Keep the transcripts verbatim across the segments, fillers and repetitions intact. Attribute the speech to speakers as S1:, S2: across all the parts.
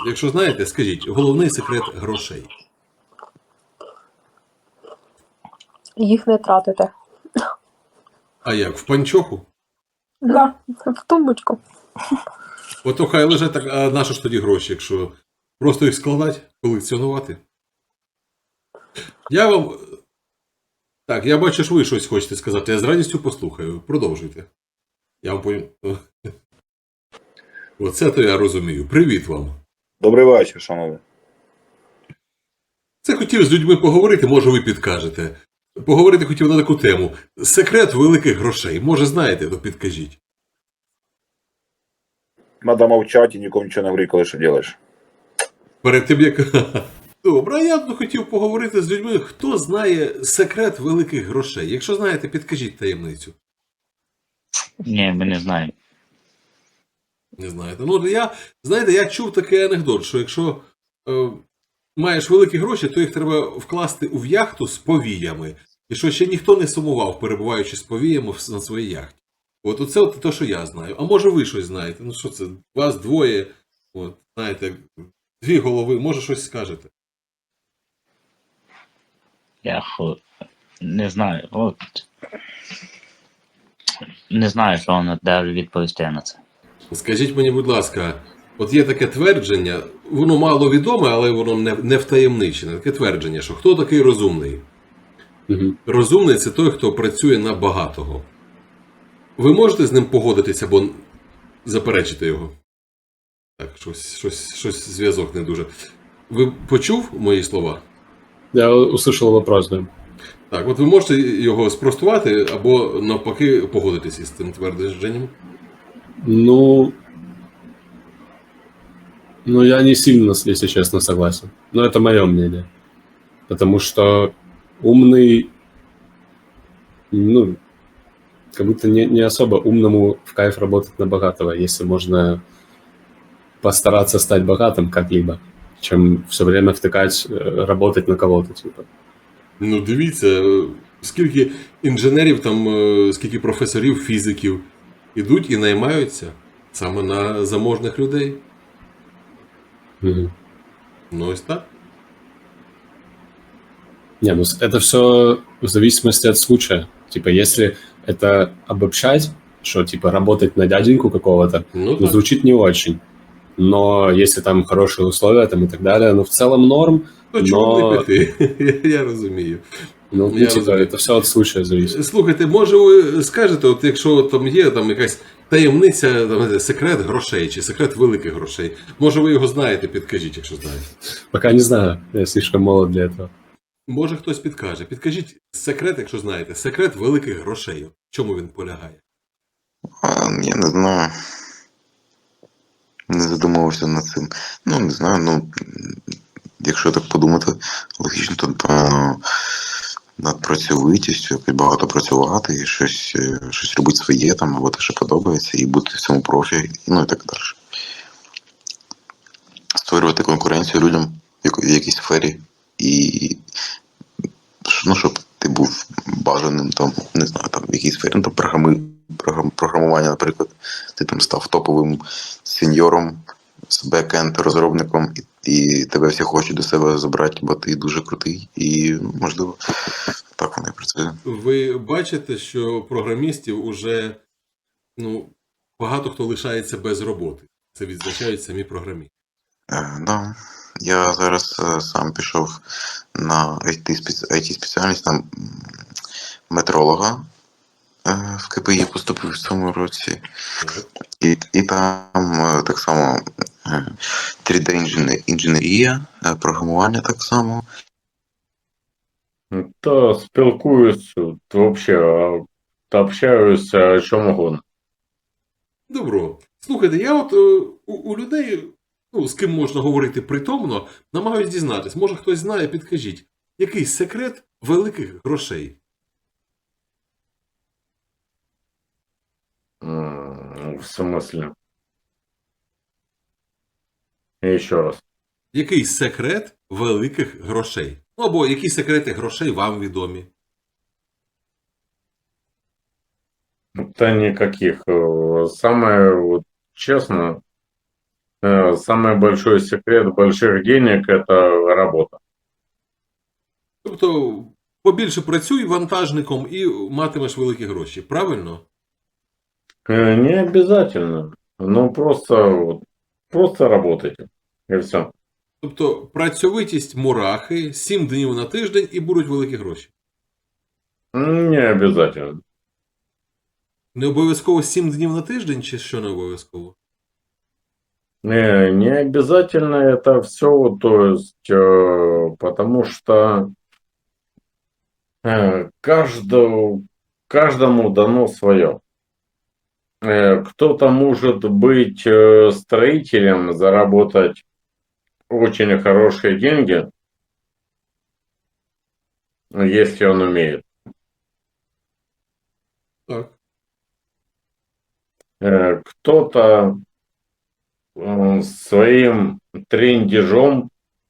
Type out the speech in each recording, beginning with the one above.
S1: Якщо знаєте, скажіть, головний секрет грошей.
S2: Їх не тратите.
S1: А як, в панчоху?
S2: Да, в тумбочку.
S1: Ото хай лежать, так, а на що ж тоді гроші, якщо просто їх складати, колекціонувати? Я вам... Так, я бачу, що ви щось хочете сказати. Я з радістю послухаю. Продовжуйте. Я вам повім... Оце то я розумію. Привіт вам.
S3: Добрий вечір, шановні.
S1: Це хотів з людьми поговорити, може ви підкажете. Поговорити хотів на таку тему. Секрет великих грошей. Може знаєте, то підкажіть.
S3: Надо мовчати і нікому нічого не говори, коли що робиш.
S1: Перед тим, як... Добре, а я б хотів поговорити з людьми, хто знає секрет великих грошей. Якщо знаєте, підкажіть таємницю.
S4: Ні, ми не знаємо.
S1: Не знаєте. Ну, я, знаєте, я чув такий анекдот, що якщо е, маєш великі гроші, то їх треба вкласти у яхту з повіями. І що ще ніхто не сумував, перебуваючи з повіями на своїй яхті. От оце от те, що я знаю. А може ви щось знаєте? Ну що це, вас двоє, от, знаєте, дві голови, може щось скажете?
S4: Я хо... не знаю. От. Не знаю, що вам де відповісти на це.
S1: Скажіть мені, будь ласка, от є таке твердження, воно мало відоме, але воно не, не втаємничене. Таке твердження, що хто такий розумний?
S5: Угу.
S1: Розумний – це той, хто працює на багатого. Ви можете з ним погодитися або заперечити його? Так, щось, щось, щось зв'язок не дуже. Ви почув мої слова?
S5: Я услышал вопрос, да.
S1: Так, от ви можете його спростувати або навпаки погодитися з цим твердженням?
S5: Ну, ну, я не сильно, если честно, согласен. Но это мое мнение. Потому что умный, ну, как будто не, не особо умному в кайф работать на богатого, если можно постараться стать богатым как-либо, чем все время втыкать, э, работать на кого-то, типа.
S1: Ну, дивіться, скільки інженерів, там, е, скільки професорів, фізиків ідуть і наймаються саме на заможних людей.
S5: Мгм.
S1: Ну, ось так.
S5: Не, ну с- это все в зависимости от случая. Типа, если это обобщать, что типа работать на дяденьку какого-то,
S1: Ну,
S5: ну,
S1: так.
S5: звучит не очень. Но если там хорошие условия там и так далее, ну в целом норм.
S1: То чому
S5: но-
S1: не піти? Я розумію.
S5: Ну,
S1: Я
S5: типа,
S1: разумею.
S5: это все от случая зависит.
S1: Слухайте, може ви скажете, от якщо там є там якась таємниця, там, не знаю, секрет грошей чи секрет великих грошей, може ви його знаєте, підкажіть, якщо знаєте.
S5: Пока не знаю, я слишком молод для этого.
S1: Може хтось підкаже. Підкажіть секрет, якщо знаєте, секрет великих грошей. В чому він полягає?
S6: А, я не знаю. Не задумувався над цим. Ну, не знаю, ну, м, якщо так подумати, логічно, то, напевно, над працьовитістю, якось багато працювати і щось, е, щось робити своє там, або те, що подобається, і бути в цьому профі, ну і так далі. Створювати конкуренцію людям в яко- в якійсь сфері і ну, щоб ти був бажаним там, не знаю, там в якійсь сфері, ну, там програми, програм, програмування, наприклад, ти там став топовим сеньором з бекенд розробником, і, і тебе всі хочуть до себе забрати, бо ти дуже крутий, і ну, можливо так воно і працює.
S1: Ви бачите, що програмістів уже ну, багато хто лишається без роботи. Це відзначають самі програмісти.
S6: Е, да. Я зараз е, сам пішов на ай ті спеціальність, там м, метролога е, в ке пе і поступив в цьому році. І, і там е, так само е, три де інженер- інженерія, е, програмування так само.
S7: Ну, Та спілкуюсь, от, вообще, а, та общаюсь о чому угодно.
S1: Добро. Слухайте, я от е, у, у людей, ну, з ким можна говорити притомно, намагаюсь дізнатись. Може хтось знає, підкажіть, який секрет великих грошей?
S7: М, В смысле? І ще раз.
S1: Який секрет великих грошей? Ну, або які секрети грошей вам відомі?
S7: Та никаких. Э, Самое вот, честно, Э, Самый большой секрет больших денег – это работа.
S1: Тобто, побільше працюй вантажником і матимеш великі гроші. Правильно?
S7: Э, Не обязательно. Ну, просто, вот, просто работайте. И все.
S1: Тобто, працьовитість мурахи, сім днів на тиждень і будуть великі гроші.
S7: Не обязательно.
S1: Не обов'язково сім днів на тиждень, чи що не обов'язково?
S7: Не, не обязательно это все, то есть, э, потому что э, каждому, каждому дано свое. Э, Кто-то может быть э, строителем, заработать очень хорошие деньги, если он умеет.
S1: Так.
S7: Э, Кто-то э, своим трендежом,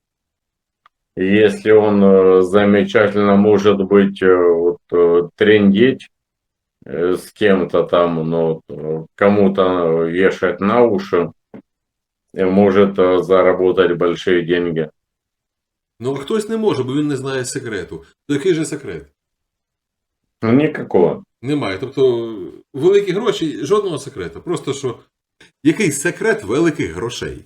S7: если он э, замечательно может быть э, вот, э, трендеть э, с кем-то там, ну, э, кому-то вешать на уши, и может э, заработать большие деньги.
S1: Ну, а хтось не може, бо він не знає секрету. То який же секрет?
S7: Ну, никакого.
S1: Немає. Тобто, великі гроші, жодного секрету. Просто що, який секрет великих грошей?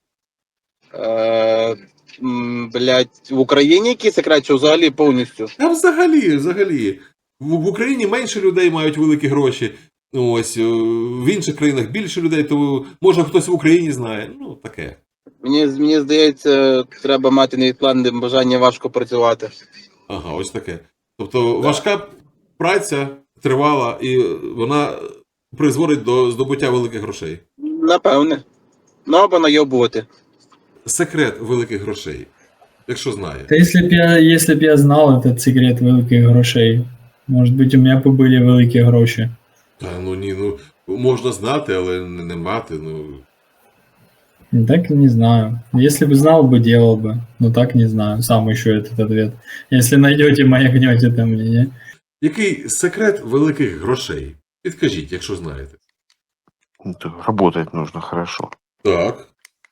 S8: Е, м, блядь, в Україні який секрет, чи взагалі повністю?
S1: А взагалі, взагалі. В, в Україні менше людей мають великі гроші. Ось, е, в інших країнах більше людей, то може хтось в Україні знає. Ну, таке.
S8: Мені, мені здається, треба мати невідкладне бажання важко працювати.
S1: Ага, ось таке. Тобто важка праця тривала, і вона призводить до здобуття великих грошей.
S8: Напевне. Ну або найобувати.
S1: Секрет великих грошей, якщо знає.
S9: Та если б я, если б я знал этот секрет великих грошей, может быть, у меня бы были великі гроші.
S1: Та ну ні, ну можна знати, але не, не мати. Ну
S9: Так не знаю. Если бы знал бы, делал бы. Но так не знаю. Сам ищу этот ответ. Если найдете, маякнете там мне, не?
S1: який секрет великих грошей? Підкажіть, якщо знаєте.
S6: Работать нужно хорошо.
S1: Так.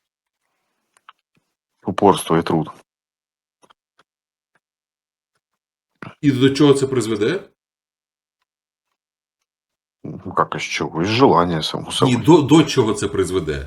S6: Упорство и труд.
S1: І до чого це призведе?
S6: Ну, как из чего? Из желания, само собой.
S1: Ні, до, до чого це призведе?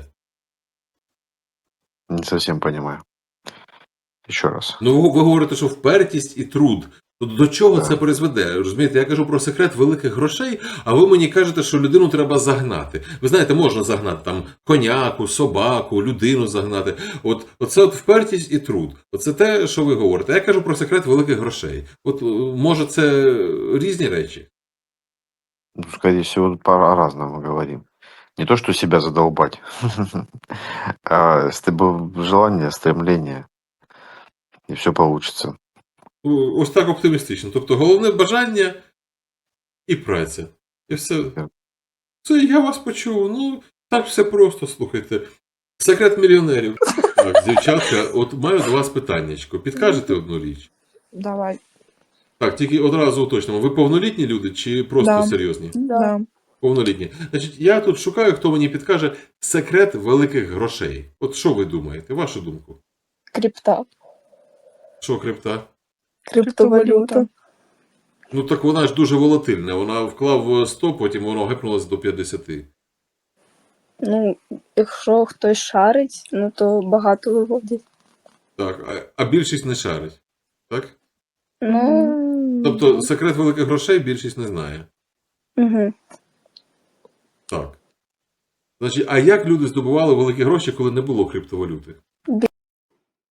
S6: Не совсем понимаю. Еще раз.
S1: Ну, ви, ви говорите, що впертість і труд. То до чого
S6: Так.
S1: це призведе? Розумієте, я кажу про секрет великих грошей, а ви мені кажете, що людину треба загнати. Ви знаєте, можна загнати там коняку, собаку, людину загнати. От оце от впертість і труд. Оце те, що ви говорите. Я кажу про секрет великих грошей. От е, може це різні речі?
S6: Ну, скорее всего, по-разному говорим. Не то, что себя задолбать, а стеб- желание, стремление, и все получится.
S1: О, Ось так оптимістично. Тобто головне бажання і праця. І все. Це я вас почув. Ну, так все просто, слухайте. Секрет мільйонерів. Так, дівчатка, от маю до вас питаннячко. Підкажете одну річ?
S2: Давай.
S1: Так, тільки одразу уточнимо. Ви повнолітні люди чи просто
S2: Да.
S1: серйозні?
S2: Да.
S1: Повнолітні. Значить, я тут шукаю, хто мені підкаже секрет великих грошей. От що ви думаєте? Вашу думку?
S2: Крипта.
S1: Що крипта?
S2: Криптовалюта.
S1: Ну так вона ж дуже волатильна. Вона вклав сто, потім воно гепнулося до п'ятдесят.
S2: Ну, якщо хтось шарить, ну то багато виводить.
S1: Так, а, а більшість не шарить. Так?
S2: Ну.
S1: Тобто секрет великих грошей більшість не знає.
S2: Угу.
S1: Так. Значить, а як люди здобували великі гроші, коли не було криптовалюти?